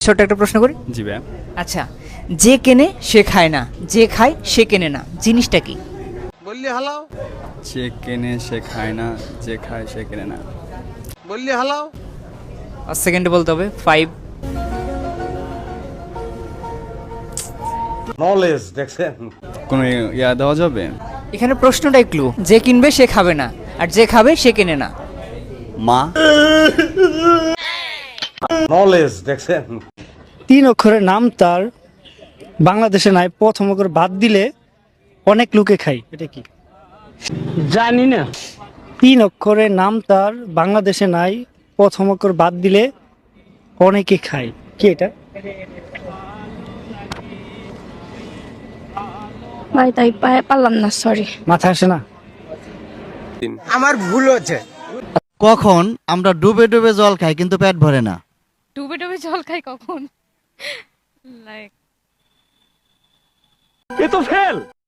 ছোট্ট একটা প্রশ্ন করি। জি ভাইয়া। আচ্ছা, যে কেনে সে খায় না, যে খায় সে কেনে না, জিনিসটা কি? বললি হালাও, যে কেনে সে খায় না, যে খায় সে কেনে না। বললি হালাও। 5 সেকেন্ডে বলতে হবে। 5। নলেজ দেখছেন? কোনো ইয়া দেওয়া যাবে? এখানে প্রশ্নটাই ক্লু, যে কিনবে সে খাবে না, আর যে খাবে সে কেনে না। মা। নলেজ দেখছেন? 3 অক্ষরের নাম তার বাংলাদেশে নাই, প্রথম অক্ষর বাদ দিলে অনেক লোকে খায়, এটা কি? জানি না। 3 অক্ষরের নাম তার বাংলাদেশে নাই, প্রথম অক্ষর বাদ দিলে অনেকে খায়, কি এটা? ভাই তাই পারলাম না, সরি। মাথায় আসে না? আমার ভুল হচ্ছে। কখন আমরা ডুবে ডুবে জল খাই কিন্তু পেট ভরে না? ডুবে ডুবে জল খাই কখন? লাইক এ তো ফেল।